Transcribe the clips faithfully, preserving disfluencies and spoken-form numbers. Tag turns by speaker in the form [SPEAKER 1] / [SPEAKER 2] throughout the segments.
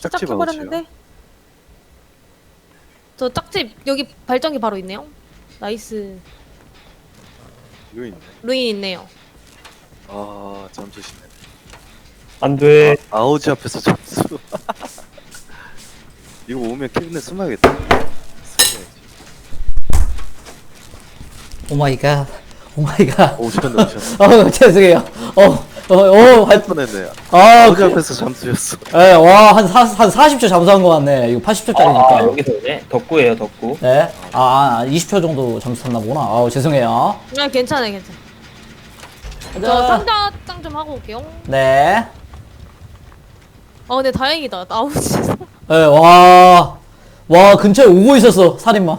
[SPEAKER 1] 짝집
[SPEAKER 2] 시작해버렸는데. 저 짝집 여기 발전기 바로 있네요. 나이스.
[SPEAKER 1] 여기 있네.
[SPEAKER 2] 루인 있네요.
[SPEAKER 1] 아 잠수시네.
[SPEAKER 3] 안 돼.
[SPEAKER 1] 아, 아우지 앞에서 잠수. 이거 오면 캐비넷 숨어야겠다. 숨어야지.
[SPEAKER 4] 오마이갓. 오마이갓.
[SPEAKER 1] 오셨네 오셨네.
[SPEAKER 4] 어, 죄송해요. 어, 어, 어,
[SPEAKER 1] 할 뻔했네.
[SPEAKER 4] 아,
[SPEAKER 1] 아우지
[SPEAKER 4] 그,
[SPEAKER 1] 앞에서 잠수였어.
[SPEAKER 4] 예, 와, 한, 사, 한 사십 초 잠수한 것 같네. 이거 팔십 초짜리니까.
[SPEAKER 3] 아, 여기서 오네. 덕구예요, 덕구.
[SPEAKER 4] 네? 아, 아, 이십 초 정도 잠수탔나 보구나. 아우, 죄송해요.
[SPEAKER 2] 아 괜찮아요 괜찮아. 저
[SPEAKER 4] 가자.
[SPEAKER 2] 상자 짱 좀 하고 올게요.
[SPEAKER 4] 네.
[SPEAKER 2] 아 근데 다행이다. 나오지.
[SPEAKER 4] 예, 와. 와, 근처에 오고 있었어, 살인마.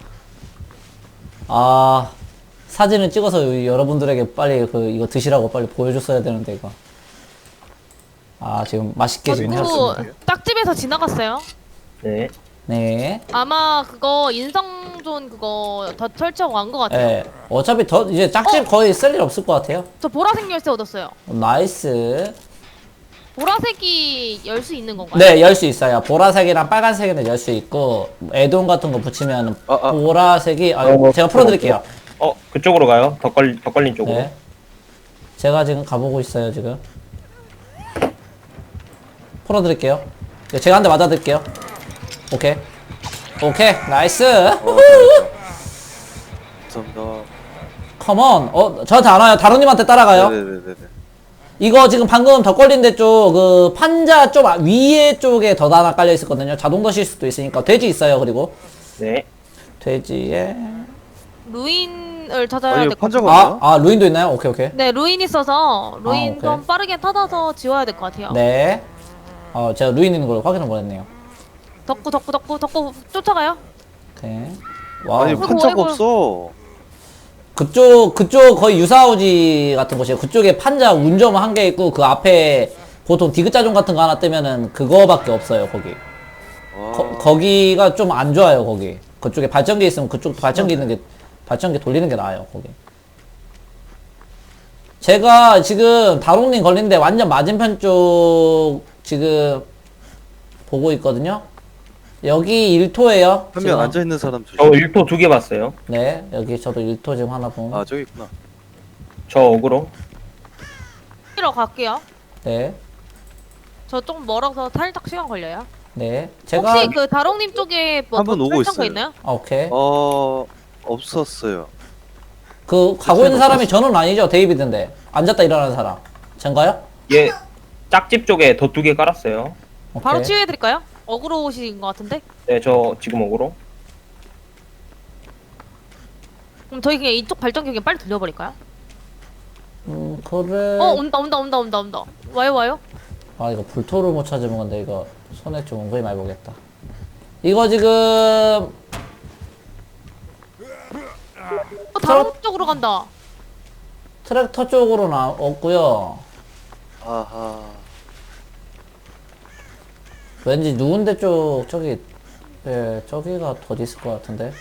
[SPEAKER 4] 아, 사진을 찍어서 여러분들에게 빨리 그, 이거 드시라고 빨리 보여줬어야 되는데, 이거. 아, 지금 맛있게 지금
[SPEAKER 2] 그리고
[SPEAKER 4] 해왔습니다.
[SPEAKER 2] 짝집에서 지나갔어요.
[SPEAKER 3] 네.
[SPEAKER 4] 네.
[SPEAKER 2] 아마 그거 인성존 그거 더 설치하고 간 것 같아요.
[SPEAKER 4] 예. 어차피 더, 이제 짝집 거의 쓸 일 없을 것 같아요.
[SPEAKER 2] 저 보라색 열쇠 얻었어요.
[SPEAKER 4] 나이스.
[SPEAKER 2] 보라색이 열 수 있는 건가요?
[SPEAKER 4] 네, 열 수 있어요. 보라색이랑 빨간색에는 열 수 있고, 애돈 같은 거 붙이면
[SPEAKER 1] 아, 아.
[SPEAKER 4] 보라색이, 아,
[SPEAKER 3] 어,
[SPEAKER 4] 제가 풀어드릴게요.
[SPEAKER 3] 어, 그쪽으로 가요. 덕걸, 덕걸린 쪽으로.
[SPEAKER 4] 네. 제가 지금 가보고 있어요, 지금. 풀어드릴게요. 네, 제가 한 대 맞아드릴게요. 오케이. 오케이, 나이스.
[SPEAKER 1] 어, 감사합니다.
[SPEAKER 4] 컴온. 어, 저한테 안 와요. 다루님한테 따라가요.
[SPEAKER 1] 네네네네.
[SPEAKER 4] 이거 지금 방금 덧걸린데 쪽, 그, 판자 좀 위에 쪽에 덧 하나 깔려 있었거든요. 자동 덧일 수도 있으니까. 돼지 있어요, 그리고.
[SPEAKER 3] 네.
[SPEAKER 4] 돼지에.
[SPEAKER 2] 루인을 찾아야
[SPEAKER 1] 아니
[SPEAKER 2] 될 것
[SPEAKER 1] 판자가
[SPEAKER 2] 같아요.
[SPEAKER 4] 아,
[SPEAKER 1] 없나?
[SPEAKER 4] 아, 루인도 있나요? 오케이, 오케이.
[SPEAKER 2] 네, 루인 있어서 루인
[SPEAKER 4] 아, 오케이.
[SPEAKER 2] 좀 빠르게 찾아서 지워야 될 것 같아요.
[SPEAKER 4] 네. 어, 제가 루인 있는 걸 확인을 못했네요.
[SPEAKER 2] 덕구, 덕구, 덕구, 덕구 쫓아가요.
[SPEAKER 4] 오케이. 와우.
[SPEAKER 1] 아니
[SPEAKER 2] 아이고,
[SPEAKER 1] 판자가
[SPEAKER 2] 아이고.
[SPEAKER 1] 없어.
[SPEAKER 4] 그쪽, 그쪽 거의 유사우지 같은 곳이에요. 그쪽에 판자 운점 한 개 있고, 그 앞에 보통 디귿자종 같은 거 하나 뜨면은 그거밖에 없어요, 거기.
[SPEAKER 1] 와.
[SPEAKER 4] 거, 거기가 좀 안 좋아요, 거기. 그쪽에 발전기 있으면 그쪽 발전기 있는 게, 발전기 돌리는 게 나아요, 거기. 제가 지금 다롱님 걸린데 완전 맞은편 쪽 지금 보고 있거든요. 여기 일 토예요.
[SPEAKER 1] 한 명 앉아 있는 사람
[SPEAKER 3] 저
[SPEAKER 1] 조심.
[SPEAKER 3] 일 토 두 개 봤어요.
[SPEAKER 4] 네, 여기 저도 일 토 지금 하나 봄.
[SPEAKER 1] 아 저기 있구나.
[SPEAKER 3] 저 어그로.
[SPEAKER 2] 뛰러 갈게요.
[SPEAKER 4] 네,
[SPEAKER 2] 저 좀 멀어서 살짝 시간 걸려요.
[SPEAKER 4] 네. 제가
[SPEAKER 2] 혹시 그 다롱님 쪽에 뭐
[SPEAKER 1] 한분 오고
[SPEAKER 2] 설정 거
[SPEAKER 1] 있어요.
[SPEAKER 2] 있나요?
[SPEAKER 4] 아, 오케이.
[SPEAKER 1] 어 없었어요.
[SPEAKER 4] 그 가고 있는 사람이 저는 아니죠, 데이비드인데. 앉았다 일어나는 사람. 전가요?
[SPEAKER 3] 얘 짝집 쪽에 덧 두 개 깔았어요.
[SPEAKER 4] 오케이.
[SPEAKER 2] 바로 치유해드릴까요? 어그로 오신 것 같은데?
[SPEAKER 3] 네, 저 지금 어그로.
[SPEAKER 2] 그럼 저희 그냥 이쪽 발전기 그냥 빨리 돌려버릴까요?
[SPEAKER 4] 음, 그래.
[SPEAKER 2] 어 온다 온다 온다 온다 온다. 와요 와요.
[SPEAKER 4] 아, 이거 불토를 못 찾으면 건데 이거 손에 좀 은근히 많이 보겠다. 이거 지금
[SPEAKER 2] 어 다롱 쪽으로 간다.
[SPEAKER 4] 트랙터 쪽으로 나왔고요.
[SPEAKER 1] 아하.
[SPEAKER 4] 왠지 누군데 쪽 저기, 예, 저기가 더 있을 것 같은데.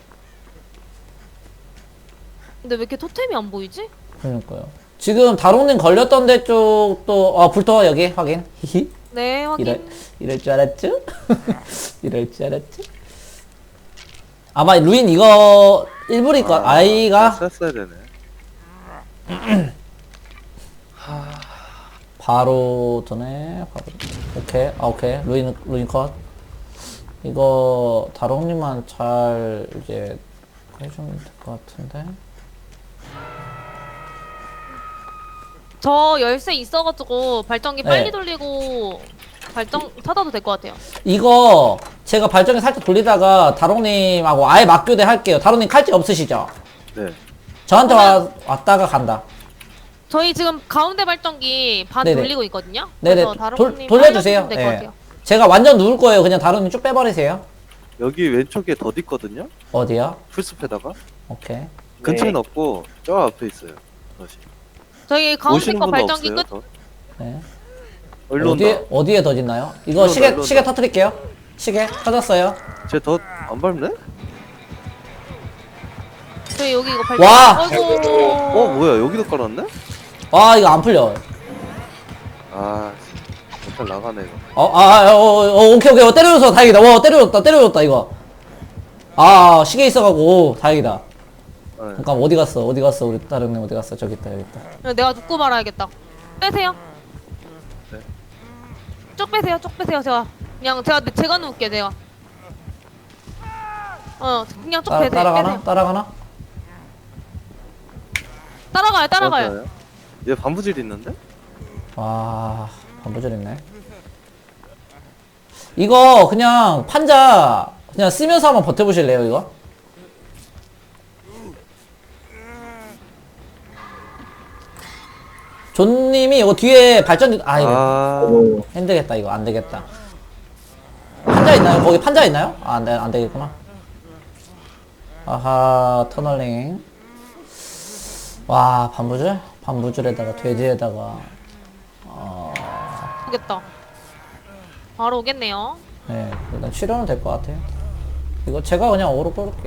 [SPEAKER 2] 근데 왜 이렇게 토템이 안 보이지?
[SPEAKER 4] 그러니까요. 지금 다롱님 걸렸던 데 쪽도, 아, 불토 여기 확인. 히히.
[SPEAKER 2] 네 확인.
[SPEAKER 4] 이럴, 이럴 줄 알았죠? 이럴 줄 알았죠? 아마 루인 이거 일부니까 아이가
[SPEAKER 1] 쐈어야 되네.
[SPEAKER 4] 바로 전에 바로 오케이. 아, 오케이. 루인 루인 컷. 이거 다롱님만 잘 이제 해주면 될 것 같은데.
[SPEAKER 2] 저 열쇠 있어가지고 발전기
[SPEAKER 4] 네.
[SPEAKER 2] 빨리 돌리고 발전 찾아도 될 것 같아요.
[SPEAKER 4] 이거 제가 발전기 살짝 돌리다가 다롱님하고 아예 맞교대 할게요. 다롱님 칼집 없으시죠?
[SPEAKER 1] 네.
[SPEAKER 4] 저한테 와, 왔다가 간다.
[SPEAKER 2] 저희 지금 가운데 발전기 반
[SPEAKER 4] 네네.
[SPEAKER 2] 돌리고 있거든요.
[SPEAKER 4] 네네.
[SPEAKER 2] 그래서
[SPEAKER 4] 돌,
[SPEAKER 2] 다롱님
[SPEAKER 4] 돌려주세요.
[SPEAKER 2] 될것
[SPEAKER 4] 예.
[SPEAKER 2] 같아요.
[SPEAKER 4] 제가 완전 누울 거예요. 그냥 다롱님 쭉 빼버리세요.
[SPEAKER 1] 여기 왼쪽에 덧 있거든요.
[SPEAKER 4] 어디요?
[SPEAKER 1] 풀숲에다가
[SPEAKER 4] 오케이.
[SPEAKER 1] 근처에는 없고 저 앞에 있어요. 덧이.
[SPEAKER 2] 저희 가운데
[SPEAKER 1] 오시는
[SPEAKER 2] 거
[SPEAKER 1] 분도
[SPEAKER 2] 발전기
[SPEAKER 1] 없어요.
[SPEAKER 2] 끝.
[SPEAKER 1] 덧.
[SPEAKER 4] 네.
[SPEAKER 1] 일로 온다.
[SPEAKER 4] 어디에, 어디에 더 있나요? 이거
[SPEAKER 1] 일로
[SPEAKER 4] 시계,
[SPEAKER 1] 온다, 일로
[SPEAKER 4] 시계
[SPEAKER 1] 온다.
[SPEAKER 4] 터트릴게요. 시계 터졌어요.
[SPEAKER 1] 쟤덧안 밟네?
[SPEAKER 2] 저희 여기 이거 발전기.
[SPEAKER 4] 와!
[SPEAKER 2] 아이고.
[SPEAKER 1] 어 뭐야 여기도 깔았네?
[SPEAKER 4] 와, 이거 안 풀려.
[SPEAKER 1] 아 멘탈 나가네 이거.
[SPEAKER 4] 어, 아, 아, 어, 어, 어, 오케이, 오케이. 어, 때려줬어. 다행이다. 와, 때려줬다. 때려줬다, 이거. 아, 시계 있어가고, 오, 다행이다.
[SPEAKER 1] 네.
[SPEAKER 4] 잠깐, 어디 갔어? 어디 갔어? 우리 다른 애 어디 갔어? 저기 있다, 여기 있다.
[SPEAKER 2] 내가 눕고 말아야겠다. 빼세요.
[SPEAKER 1] 네.
[SPEAKER 2] 쭉 빼세요. 쭉 빼세요. 제가 그냥 제가 제가 누울게 내가. 어 그냥 쭉
[SPEAKER 4] 따,
[SPEAKER 2] 빼세요.
[SPEAKER 4] 따라가나?
[SPEAKER 2] 빼세요.
[SPEAKER 4] 따라가나?
[SPEAKER 2] 따라가요. 따라가요.
[SPEAKER 1] 맞아요. 얘 반부질 있는데?
[SPEAKER 4] 와, 반부절 있네. 이거, 그냥, 판자, 그냥 쓰면서 한번 버텨보실래요, 이거? 존님이 이거 뒤에 발전기, 아, 이거.
[SPEAKER 1] 아,
[SPEAKER 3] 오,
[SPEAKER 4] 힘들겠다 이거 안되겠다. 판자 있나요? 거기 판자 있나요? 아 안돼 안되겠구나. 아하 터널링. 와 반부줄? 반부줄에다가 돼지에다가 어...
[SPEAKER 2] 오겠다. 바로 오겠네요.
[SPEAKER 4] 네 일단 치료는 될 것 같아요. 이거 제가 그냥 어그로 끌을게요.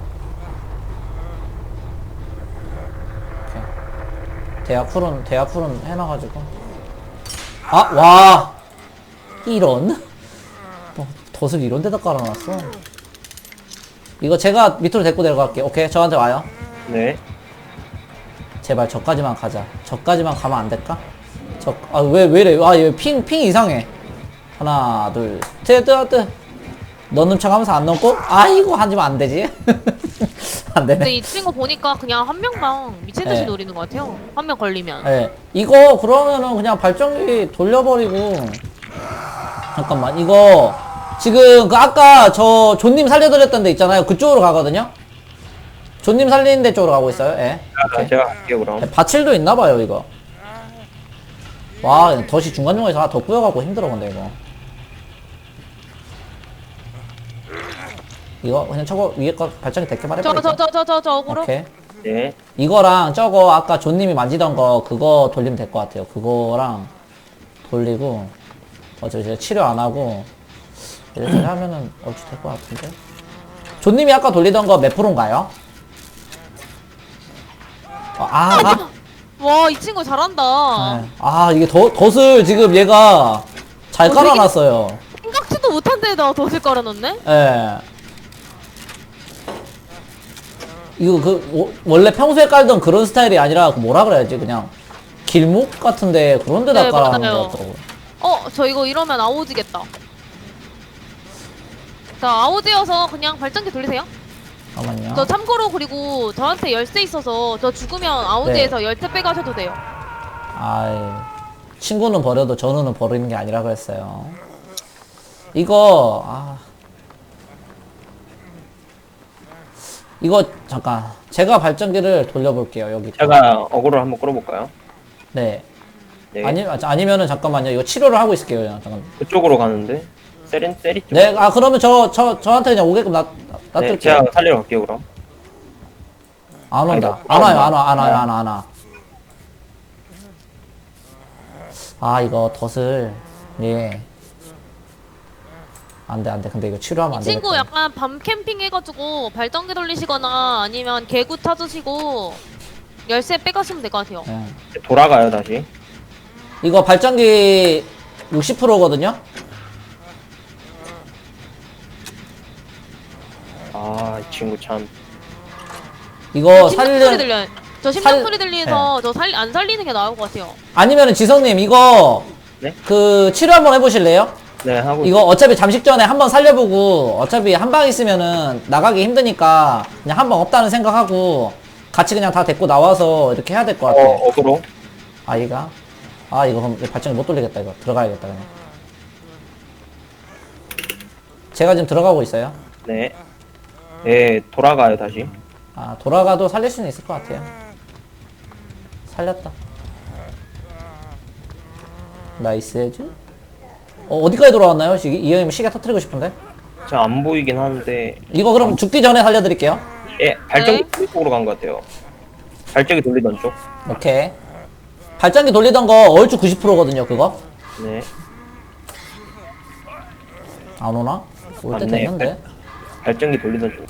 [SPEAKER 4] 오케이. 대야풀은 대야풀은 해놔가지고 아 와 이런 뭐, 덫을 이런 데다 깔아놨어. 이거 제가 밑으로 데리고 내려갈게요. 오케이 저한테 와요.
[SPEAKER 3] 네.
[SPEAKER 4] 제발 저까지만 가자. 저까지만 가면 안 될까? 저, 아, 왜, 왜 이래? 아, 얘 핑, 핑 이상해. 하나, 둘, 셋, 넷, 넷. 넣는 척 하면서 안 넣고? 아이고, 하지만 안 되지? 안
[SPEAKER 2] 근데
[SPEAKER 4] 되네.
[SPEAKER 2] 이 친구 보니까 그냥 한 명당 미친 듯이
[SPEAKER 4] 네.
[SPEAKER 2] 노리는 것 같아요. 한 명 걸리면.
[SPEAKER 4] 예. 이거, 그러면은 그냥 발전기 돌려버리고. 잠깐만, 이거. 지금, 그, 아까 저, 존님 살려드렸던 데 있잖아요. 그쪽으로 가거든요? 존님 살리는 데 쪽으로 가고 있어요. 예.
[SPEAKER 3] 아, 제가 갈게요 그럼.
[SPEAKER 4] 네, 바칠도 있나봐요 이거. 와 덫이 중간중간에서 하나 더 꾸여갖고 힘들어 근데 이거. 이거 그냥 저거 위에 거 발전기 대게 말해버려.
[SPEAKER 2] 저 저 저 저 저 저 어그로.
[SPEAKER 4] 오케이.
[SPEAKER 3] 네.
[SPEAKER 4] 이거랑 저거 아까 존님이 만지던 거 그거 돌리면 될 것 같아요. 그거랑 돌리고 어차피 제가 치료 안 하고 이렇게 하면은 얼추 될 것 같은데. 존님이 아까 돌리던 거 몇 프로인가요? 어, 아, 아.
[SPEAKER 2] 와 이 친구 잘한다.
[SPEAKER 4] 네. 아 이게 덫, 덫을 지금 얘가 잘
[SPEAKER 2] 어, 되게-
[SPEAKER 4] 깔아놨어요.
[SPEAKER 2] 생각지도 못한 데다 덫을 깔아놓네.
[SPEAKER 4] 예. 이거 그 오- 원래 평소에 깔던 그런 스타일이 아니라 그 뭐라 그래야지 그냥 길목 같은데 그런 데다
[SPEAKER 2] 네,
[SPEAKER 4] 깔아놓은
[SPEAKER 2] 맞아요.
[SPEAKER 4] 것 같더라고.
[SPEAKER 2] 어 저 이거 이러면 아오지겠다. 자 아오지여서 그냥 발전기 돌리세요.
[SPEAKER 4] 잠깐만요.
[SPEAKER 2] 저 참고로 그리고 저한테 열쇠 있어서 저 죽으면 아우디에서 열쇠 빼가셔도 돼요.
[SPEAKER 4] 아이 친구는 버려도 전우는 버리는 게 아니라 그랬어요. 이거 아 이거 잠깐 제가 발전기를 돌려볼게요 여기.
[SPEAKER 3] 제가 어그로 한번 끌어볼까요?
[SPEAKER 4] 네.
[SPEAKER 3] 네.
[SPEAKER 4] 아니 아니면은 잠깐만요 이거 치료를 하고 있을게요 그냥 잠깐.
[SPEAKER 3] 그쪽으로 가는데 세린 세리 쪽.
[SPEAKER 4] 네, 아 그러면 저 저 저한테 그냥 오게끔 놔
[SPEAKER 3] 네,
[SPEAKER 4] 놔둘게요.
[SPEAKER 3] 제가 살리러 갈게요 그럼.
[SPEAKER 4] 안 온다.
[SPEAKER 3] 아니다.
[SPEAKER 4] 안 와요,
[SPEAKER 3] 안
[SPEAKER 4] 안 와, 안 와요,
[SPEAKER 3] 와.
[SPEAKER 4] 안 와, 안 와. 아 이거 덫을 예. 안돼 안돼. 근데 이거 치료하면 안 되겠다.
[SPEAKER 2] 친구 약간 밤 캠핑 해가지고 발전기 돌리시거나 아니면 개구 찾으시고 열쇠 빼가시면 될 것 같아요.
[SPEAKER 4] 예.
[SPEAKER 3] 이제 돌아가요 다시.
[SPEAKER 4] 이거 발전기 육십 퍼센트거든요.
[SPEAKER 3] 아, 이 친구 참.
[SPEAKER 4] 이거
[SPEAKER 2] 심장 소리
[SPEAKER 4] 살려
[SPEAKER 2] 들려요. 저 심장
[SPEAKER 4] 살-
[SPEAKER 2] 소리 들리면서 저 살 안 살리는 게 나을 것 같아요.
[SPEAKER 4] 아니면은 지성님 이거
[SPEAKER 3] 네?
[SPEAKER 4] 그 치료 한번 해보실래요?
[SPEAKER 3] 네, 하고.
[SPEAKER 4] 이거 어차피 잠식 전에 한번 살려보고 어차피 한 방 있으면은 나가기 힘드니까 그냥 한 방 없다는 생각하고 같이 그냥 다 데리고 나와서 이렇게 해야 될 것 같아.
[SPEAKER 3] 어, 어그로.
[SPEAKER 4] 아이가 아 이거 그럼 발전기 못 돌리겠다 이거 들어가야겠다 그냥. 제가 지금 들어가고 있어요.
[SPEAKER 3] 네. 네, 돌아가요 다시.
[SPEAKER 4] 아 돌아가도 살릴 수는 있을 것 같아요. 살렸다. 나이스 해즈. 어, 어디까지 돌아왔나요? 시, 이 형님 시계 터트리고 싶은데.
[SPEAKER 3] 저 안 보이긴 하는데.
[SPEAKER 4] 이거 그럼 죽기 전에 살려드릴게요.
[SPEAKER 3] 예, 발전기
[SPEAKER 2] 네.
[SPEAKER 3] 돌리 쪽으로 간 것 같아요. 발전기 돌리던 쪽.
[SPEAKER 4] 오케이. 발전기 돌리던 거 얼추 구십 퍼센트거든요 그거.
[SPEAKER 3] 네.
[SPEAKER 4] 안 오나? 올 때
[SPEAKER 3] 맞네.
[SPEAKER 4] 됐는데.
[SPEAKER 3] 발전기 돌리던 쪽.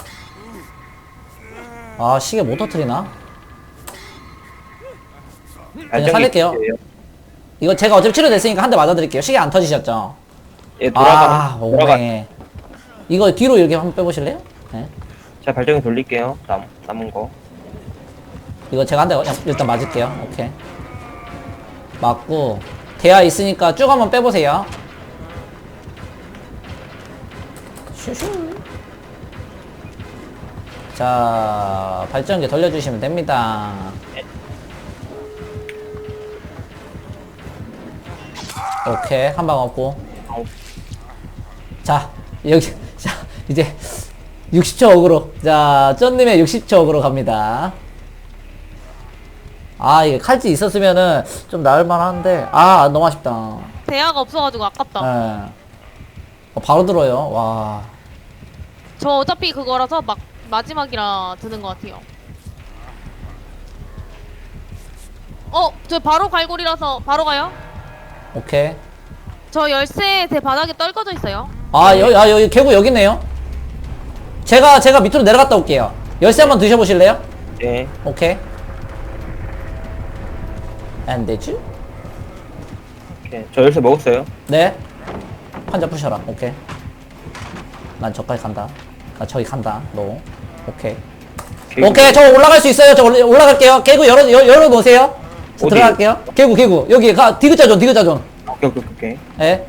[SPEAKER 4] 아 시계 못 터트리나?
[SPEAKER 3] 발전기
[SPEAKER 4] 살릴게요.
[SPEAKER 3] 돌려요.
[SPEAKER 4] 이거 제가 어차피 치료됐으니까 한 대 맞아드릴게요. 시계 안 터지셨죠?
[SPEAKER 3] 예, 돌아가.
[SPEAKER 4] 아,
[SPEAKER 3] 돌아가.
[SPEAKER 4] 오네. 이거 뒤로 이렇게 한번 빼보실래요? 네.
[SPEAKER 3] 제가 발전기 돌릴게요. 남, 남은 거.
[SPEAKER 4] 이거 제가 한 대 일단 맞을게요. 오케이. 맞고, 대야 있으니까 쭉 한번 빼보세요. 슈슈. 자, 발전기 돌려주시면 됩니다. 오케이, 한 방 없고.
[SPEAKER 3] 아우.
[SPEAKER 4] 자, 여기, 자, 이제 육십 초 어그로. 자, 쩐님의 육십 초 어그로 갑니다. 아, 이게 칼집 있었으면은 좀 나을만 한데, 아, 너무 아쉽다.
[SPEAKER 2] 대야가 없어가지고 아깝다.
[SPEAKER 4] 예. 어, 바로 들어요. 와.
[SPEAKER 2] 저 어차피 그거라서 막 마지막이라 드는 것 같아요. 어, 저 바로 갈고리라서 바로 가요.
[SPEAKER 4] 오케이.
[SPEAKER 2] 저 열쇠 제 바닥에 떨궈져 있어요.
[SPEAKER 4] 아, 여기, 아, 여기, 개구 여기 있네요. 제가, 제가 밑으로 내려갔다 올게요. 열쇠 한번 드셔보실래요?
[SPEAKER 3] 네.
[SPEAKER 4] 오케이. 안 되지?
[SPEAKER 3] 오케이. 저 열쇠 먹었어요.
[SPEAKER 4] 네. 환자 푸셔라. 오케이. 난 저까지 간다. 나 저기 간다. 너. 오케이.
[SPEAKER 3] 개구.
[SPEAKER 4] 오케이. 저 올라갈 수 있어요. 저 올라- 올라갈게요. 개구 열어, 열, 열어놓으세요. 저
[SPEAKER 3] 어디?
[SPEAKER 4] 들어갈게요. 개구, 개구. 여기 가, 디귿자존, 디귿자존.
[SPEAKER 3] 오케이, 오케이, 오케이.
[SPEAKER 4] 예.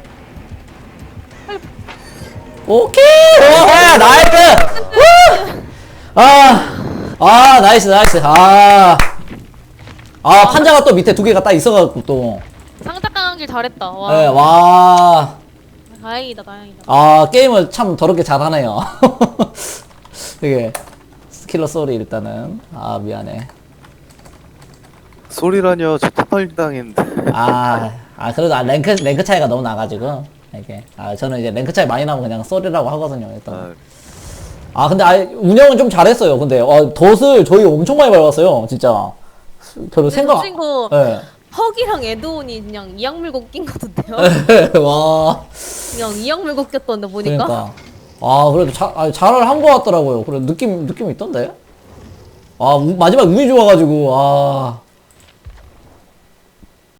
[SPEAKER 4] 오케이! 오, 나이스! 우! 아, 아, 나이스, 나이스. 아. 아, 판자가 또 밑에 두 개가 딱 있어가지고 또.
[SPEAKER 2] 상자 까는 잘했다. 와.
[SPEAKER 4] 예, 와.
[SPEAKER 2] 다행이다, 다행이다.
[SPEAKER 4] 아, 게임을 참 더럽게 잘하네요. 되게. 스킬러 소리 일단은. 아, 미안해.
[SPEAKER 1] 소리라뇨. 저 토탈 당했는데.
[SPEAKER 4] 아, 아, 그래도 아, 랭크, 랭크 차이가 너무 나가지고. 이게. 아, 저는 이제 랭크 차이 많이 나면 그냥 소리라고 하거든요, 일단.
[SPEAKER 1] 아,
[SPEAKER 4] 아, 근데 아, 운영은 좀 잘했어요. 근데, 어, 덫을 저희 엄청 많이 밟았어요, 진짜. 별로 생각.
[SPEAKER 2] 친구
[SPEAKER 4] 예.
[SPEAKER 2] 헉이랑 에드온이 그냥 이악 물고 낀 거던데요?
[SPEAKER 4] 와.
[SPEAKER 2] 그냥 이악 물고 꼈던데 보니까.
[SPEAKER 4] 그러니까. 아, 그래도 자, 아, 잘을 한 것 같더라고요. 그래, 느낌, 느낌이 있던데? 아, 우- 마지막 운이 좋아가지고, 아.